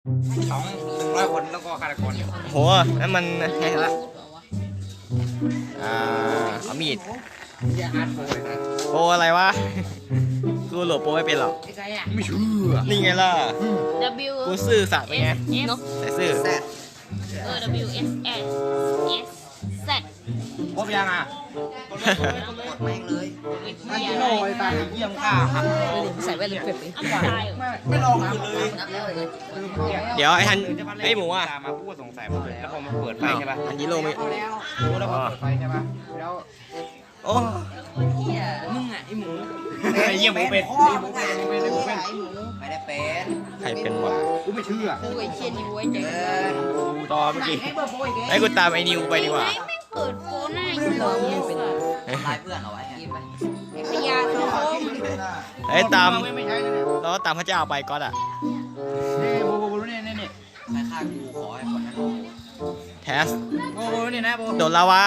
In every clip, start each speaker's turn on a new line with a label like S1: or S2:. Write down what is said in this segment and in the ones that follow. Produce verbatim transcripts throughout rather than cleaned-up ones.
S1: สองหนึ่งร้อยคนแล้วก็ฆาตกร
S2: โหนั่นมันแฮกละอ่าเอามีด
S1: อย่าอาร์ตโฟเลยนะ
S2: โปรอะไรวะกูโหลดโปรไม่เป็นหรอก
S1: ไม่เชื่อ
S2: นี่ไงล่ะ
S3: W
S2: กูซื่อสัตย์ไปไง
S3: S
S2: แต่ซื่อ
S3: เออ W S S S Z
S1: ครบยังอ่ะ
S4: กดแม่งเลย
S1: มันกิโลไอ้ตาเยี่ยมข้าหัก
S5: ใส่แว่นเก็บไป
S3: อันตราย
S1: ไม่ลองเลย
S2: เดี๋ยวไอ้ทันไอ้หมูอ่ะ
S1: ตามมาพูดสงสัยหมดเลยแล้วพอมาเปิดไฟใช่ป่ะ
S2: อันนี้โลไม่
S1: รู้แล้วพอเปิดไฟใช่ป่ะแล้ว
S2: โอ้
S5: มึงอ่ะไอหมู
S1: ไอ้เยี่ยมหมูเป็นไอ้หมูเป็นไอ้หมูเป็นไอ้หมูเป็น
S4: ไม่ได้เป็น
S2: ใครเป็นวะ
S1: กูไม่เชื่อ
S5: กูไอเชียนิวไว้ใจ
S4: เออ
S1: กูต่อเมื่อกี้
S2: ไอ้กูตามไอ้นิวไปดีกว่า
S3: ไม่ไม่เปิดโฟนหน้าอยู่เลย
S4: ทำร้ายเพื่อนเอาไว้อะ
S5: พยาสังคม
S2: ไอ้ตาม
S1: ไม่ใช่เลยเนี่ย
S2: แล้วก็ตามพระเจ้าไปก็อ่ะ
S1: นี่โบโบโบเนี่ยเนี่ยเนี่ย
S4: ใครฆ่ากูขอให้คนนั้นรู้
S2: แทส
S1: โบโบเนี่ยนะโบ
S2: โดนลาวา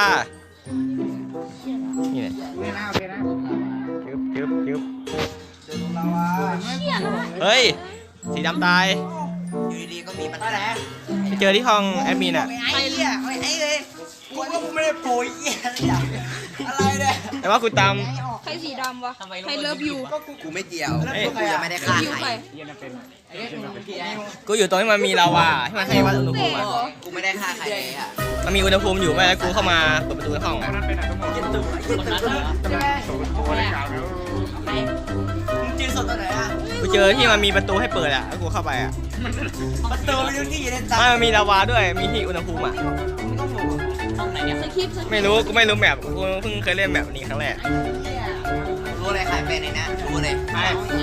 S2: นี่ไง
S1: เนี่ยนะโอเคนะ
S2: ยึบยึบยึบ
S4: เดินลงลาวา
S2: เฮ้ยสีดำตาย
S4: อยู่ดีๆก็มีปัญหา
S2: ไปเจอที่ห้องแอดมินอ่ะ
S4: ไอ้เหี้ยไม่ไอ้เลยกูก็ไม่ได้โปรยเหี้ยอะไรเนี่ย
S2: แต่ว่ากูตาม
S5: ใครสีดำวะใครเลิฟยู
S4: กูไม่เกี่ยวกูยังไม่ได้ฆ่า
S5: ยู
S4: ใค
S5: ใค
S4: ร
S5: ร
S1: เยี่ยมเป็น
S2: กูอยู่ตรงที่มันมีลาวาที่มันให้วัดอุณหภูมิอ่ะ
S4: กูไม่ได้ฆ่าใครเลยอะ
S2: มันมีอุณหภูมิอยู่ไหมแล้วกูเข้ามาเปิดประตูห้อง
S1: ค
S2: อ่ะ
S1: นนั้นเป็นอะไรทั้งหมด
S4: ยินตึ๊บยินตึ๊บ
S1: ใช่ไหมโบอะไรกล่าวแล้ว
S4: มึงเจอสดตอนไหนอะ
S2: กูเจอที่มันมีประตูให้เปิดอ่ะแล้วกูเข้าไปอ่ะ
S4: ประตูมีทุกที่อยู่ในตา
S2: ไม่มันมีลาวาด้วยมีที่อุณหภูมิอ่ะ
S5: สคริปต์สคริปต์
S2: ไม่รู้กูไม่รู้แมปกูเพิ่งเคยเล่นแมปนี้ครั้งแรก
S4: รู้อะไรใครเป็นในนั้นรู้เลย
S1: ไอ้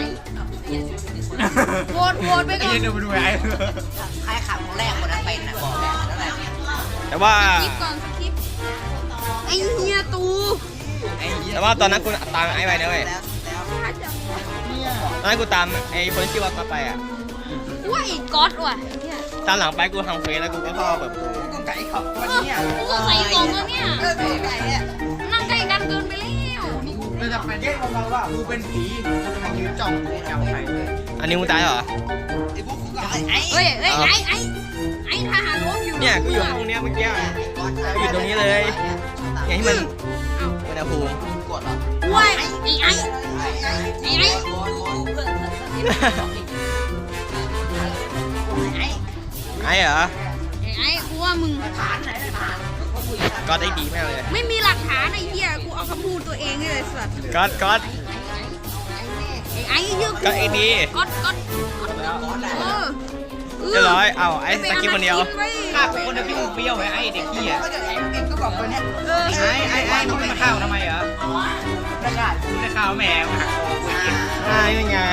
S5: โหวตโหวตไป
S1: ไอ้
S5: ก่อน
S1: เยี่ยมดูไปดูไอ้
S4: ใครขังคนแรกคนนั้นเป็นนะบอกแล้วนั่นแหละ
S2: แต่ว่า
S5: คลิปก่อนสคริปต์ไอเฮียตู
S4: ไอ้เหี้ย
S2: แต่ว่าตอนนั้นกูตามไอ้ไปนะเว้ย
S4: แล้วแล้ว
S2: ตอนนั้นกูตามไอ้คนที่ชื่อว่าก็ไปอ่ะ
S5: ว่าไอ้ก๊อตว่ะ
S2: ตามหลังไปกูทำเฟซแล้วกูก็เข้ามาเปิดประตู
S4: กูไก่ขับวันนี้
S3: กูก็ใส่กล่องแล้วเนี่ย
S4: เออไก่เนี่ย
S3: นั่งใกล้กันเกินไปแล้ว
S1: เราจะเป็นเยี่ยมของเราว่ากูเป็นผีเราจะมายืนจ้องจับใคร
S2: อันนี้มึงตายเหรอ
S4: ไอ้พวกกูก็ไอ้ไอ้
S5: เฮ้ยเฮ้ยไอไอไอทหารรบอยู่
S2: เนี่ยกูอยู่ห้องเนี้ยเมื่อกี้อะ อยู่ตรงนี้เลย อย่างที่มันอุณหภูมิ
S4: กดเหรอ
S5: ว้าย
S3: ไอ้ไอ้
S4: ไอ้ไอ้
S3: ไอ้ไอ้
S2: ไอ้เหรอ
S5: ไอไอกูว่ามึง
S2: ก็ได้ดีมากเลย
S5: ไม่มีหลักฐานไอ้เหี้ยกูเอาคำพูดตัวเองเลยสัตว์
S2: ก็ก็
S5: ไอ้ไอ้เยอะ
S2: ก็ไอ้ดี
S5: ก๊อตก๊อตเออ
S2: เรียบร้อยเอาไอ้สกิปคนเดียว
S1: ฆ่าคนเดียวพี่มึงเปรี้ยวไหมไอ้เด็กขี้อ่ะ
S4: ก็จะไอ้เอ็งก็บอกตัวเนี้ย
S5: เออ
S1: ไอ้ไอ้ไอ้มึงไม่มาฆ่าทำไมเหรอ
S4: ไม่ได้
S1: มึงได้ฆ่าแมวหักคอกูกิน
S2: อ่านี่ไง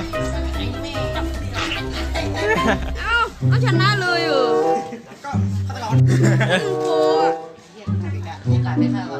S5: เอ้าก็ชนะเลยเออ
S4: ก็ฆาตกร
S5: มึงโปรอะ
S4: โอกาสได้ฆ่าเรา